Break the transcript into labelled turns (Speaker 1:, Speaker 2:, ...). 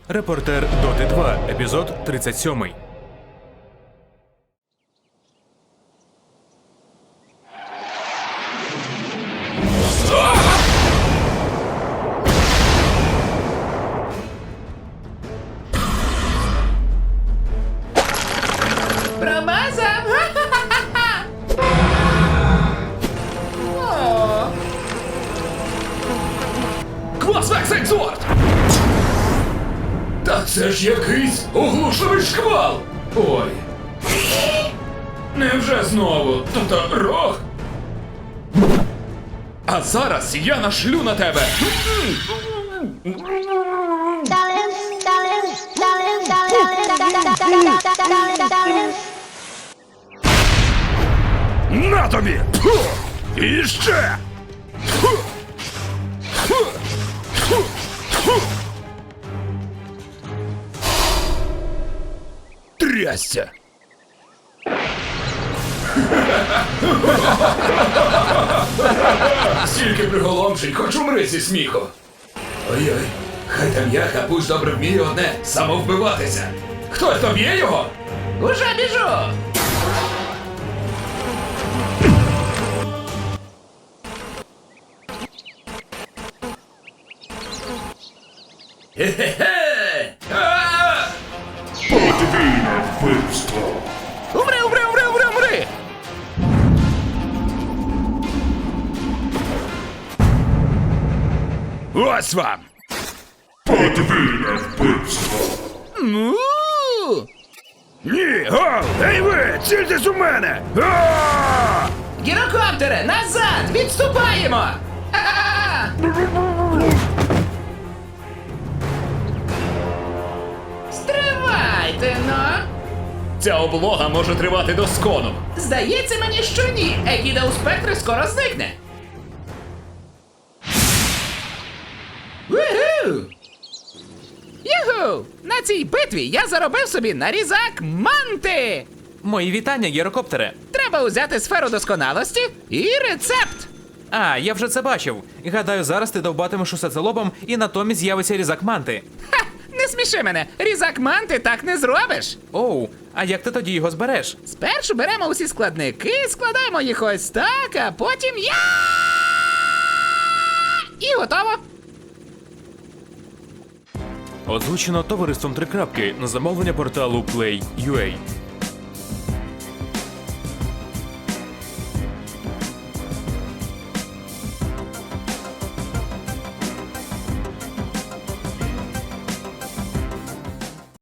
Speaker 1: Репортер Доти 2, епізод 37.
Speaker 2: Промазав! О.
Speaker 3: Клас Векс Екзорт! Та це ж якийсь оглушливий шквал! Ой. Невже знову? Тобто рог? А зараз я нашлю на тебе! На тобі! Фу! І ще! Фу! Фу! Фу! Фу! Трясся! Стільки приголомшень, хоч умри зі сміху. Ой-ой, хай там я, Капусь, добре вміє одне – самовбиватися. Хтось доб'є його?
Speaker 2: Уже біжу!
Speaker 3: Хе-хе-хе! А!
Speaker 4: Подвійне вбивство.
Speaker 2: Умри, умри, умри, умри, умри!
Speaker 3: Ось вам!
Speaker 4: Подвійне вбивство.
Speaker 2: У!
Speaker 3: Ні, гол! Ей ви, цільтесь у мене! А!
Speaker 2: Гірокоптере, назад! Відступаємо! А! Стривайте, но!
Speaker 3: Ця облога може тривати доскону.
Speaker 2: Здається мені, що ні. Егіда у спектрі скоро зникне. Вуху! Юху! На цій битві я заробив собі нарізак манти!
Speaker 1: Мої вітання, гірокоптере.
Speaker 2: Треба узяти сферу досконалості і рецепт!
Speaker 1: А, я вже це бачив. Гадаю, зараз ти довбатимеш усе це лобом і натомість з'явиться різак манти.
Speaker 2: Ха! Не сміши мене! Різак манти так не зробиш!
Speaker 1: Оу, а як ти тоді його збереш?
Speaker 2: Спершу беремо усі складники, складаємо їх ось так, а потім я. І готово!
Speaker 1: Озвучено товариством Три Крапки на замовлення порталу Play.ua.